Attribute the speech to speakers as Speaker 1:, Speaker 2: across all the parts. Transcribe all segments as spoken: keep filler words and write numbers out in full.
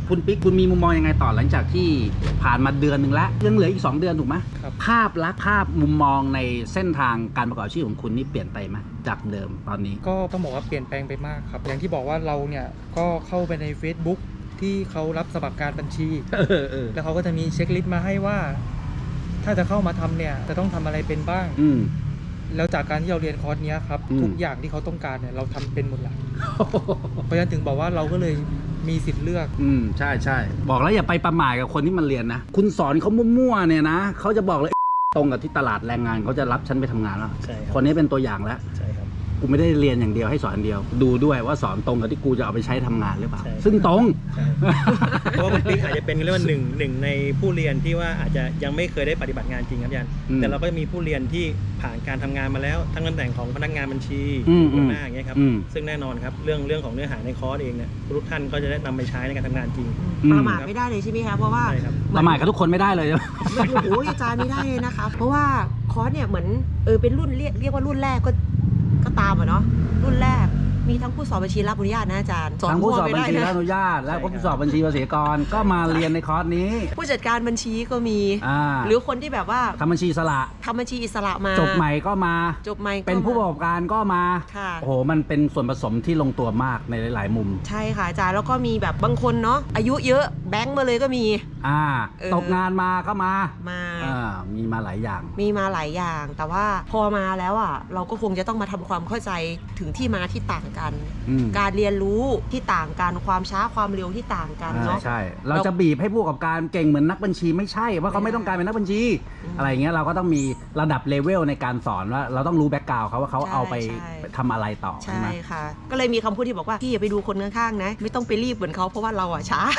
Speaker 1: คุณปิ๊กคุณมีมุมมองยังไงต่อหลังจากที่ผ่านมาเดือนหนึ่งแล้วยังเหลืออีกสองเดือนถูกไหมภาพลักษณ์ภาพมุมมองในเส้นทางการประกอบอาชีพของคุณนี่เปลี่ยนไปไหมจากเดิมตอนนี้
Speaker 2: ก็ต้องบอกว่าเปลี่ยนแปลงไปมากครับอย่างที่บอกว่าเราเนี่ยก็เข้าไปใน Facebook ที่เขารับสมัครการบัญชีแล้วเขาก็จะมีเช็คลิสต์มาให้ว่าถ้าจะเข้ามาทำเนี่ยจะต้องทำอะไรเป็นบ้างแล้วจากการที่เราเรียนคอร์สนี้ครับทุกอย่างที่เขาต้องการเนี่ยเราทำเป็นหมดแล้วเพราะฉะนั้นถึงบอกว่าเราก็เลยมีสิทธิ์เลือก
Speaker 1: อืมใช่ใช่บอกแล้วอย่าไปประมาทกับคนที่มันเรียนนะคุณสอนเขามั่วๆเนี่ยนะเขาจะบอกเลยตรงกับที่ตลาดแรงงานเขาจะรับฉันไปทำงานแล้วคนนี้เป็นตัวอย่างแล้วใช่ครับกูไม่ได้เรียนอย่างเดียวให้สอนอย่างเดียวดูด้วยว่าสอนตรงกับที่กูจะเอาไปใช้ทำงานหรือเปล่าซึ่งตรง
Speaker 3: เพราะว่าคุณปิ๊กอาจจะเป็นเรียกว่าหนึ่งหนึ่งในผู้เรียนที่ว่าอาจจะยังไม่เคยได้ปฏิบัติงานจริงครับยันแต่เราก็จะมีผู้เรียนที่ผ่านการทำงานมาแล้วทั้งตำแหน่งของพนักงานบัญชีหัวหน้าอย่างเงี้ยครับซึ่งแน่นอนครับเรื่องเรื่องของเนื้อหาในคอร์สเองเนี่ยทุกท่านก็จะได้นำไปใช้ในการทำงานจริง
Speaker 4: ประมาทไม่ได้เลยใช่ไหมคะเพราะว่า
Speaker 1: ประมาทกับทุกคนไม่ได้เลย
Speaker 4: โอ้โหอาจารย์ไม่ได้เลยนะคะเพราะว่าคอร์สเนี่ยเหมือนเออเป็นรุ่นเรียกเรียกว่ารุ่นแรกก็ก็ตามอ่ะเนาะรุ่นแรกมีทั้งผู้สอบบัญชีรับอนุญาตนะอาจารย์
Speaker 1: ทั้งผู้สอบบัญชีรับอนุญาตและผู้สอบบัญชีภาษีกรก็มาเรียนในคอร์สนี้
Speaker 4: ผู้จัดการบัญชีก็มีหรือคนที่แบบว่า
Speaker 1: ทำบัญชีอิสระ
Speaker 4: ทำบัญชีอิสระมา
Speaker 1: จบใหม่ก็มา
Speaker 4: จบใหม่
Speaker 1: เป็นผู้ประกอบการก็มาโอ้โหมันเป็นส่วนผสมที่ลงตัวมากในหลายๆมุม
Speaker 4: ใช่ค่ะอาจารย์แล้วก็มีแบบบางคนเนาะอายุเยอะแบงค์มาเลยก็มี
Speaker 1: อ่าตกงานมาก็มา
Speaker 4: มา
Speaker 1: อ่ามีมาหลายอย่าง
Speaker 4: มีมาหลายอย่างแต่ว่าพอมาแล้วอ่ะเราก็คงจะต้องมาทำความเข้าใจถึงที่มาที่ต่างกันการเรียนรู้ที่ต่างกันความช้าความเร็วที่ต่างกันเนาะ
Speaker 1: ใช่เราจะบีบให้ผู้ประกอบการเก่งเหมือนนักบัญชีไม่ใช่ว่าเขาไม่ต้องการเป็นนักบัญชีอะไรเงี้ยเราก็ต้องมีระดับเลเวลในการสอนว่าเราต้องรู้แบ็กกราวด์เขาว่าเขาเอาไปทำอะไรต่อ
Speaker 4: ใช่ค่ะก็เลยมีคำพูดที่บอกว่าพี่อย่าไปดูคนข้างๆนะไม่ต้องไปรีบเหมือนเขาเพราะว่าเราอ่ะช้า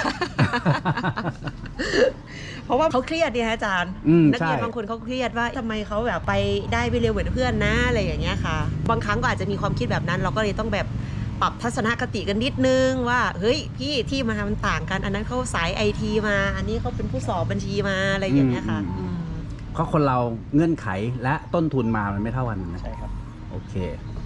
Speaker 4: เพราะว่าเขาเครียดเนี่ยอาจารย์นักเรียนบางคนเขาเครียดว่าทำไมเขาแบบไปได้ไม่เร็วเหมือนเพื่อนนะอะไรอย่างเงี้ยค่ะบางครั้งก็อาจจะมีความคิดแบบนั้นเราก็เลยต้องแบบปรับทัศนคติกันนิดนึงว่าเฮ้ยพี่ที่มามันต่างกันอันนั้นเขาสายไอทีมาอันนี้เขาเป็นผู้สอบบัญชีมาอะไรอย่างเงี้ยค่ะ
Speaker 1: เพราะคนเราเงื่อนไขและต้นทุนมามันไม่เท่ากันนะใช่ครับโอเค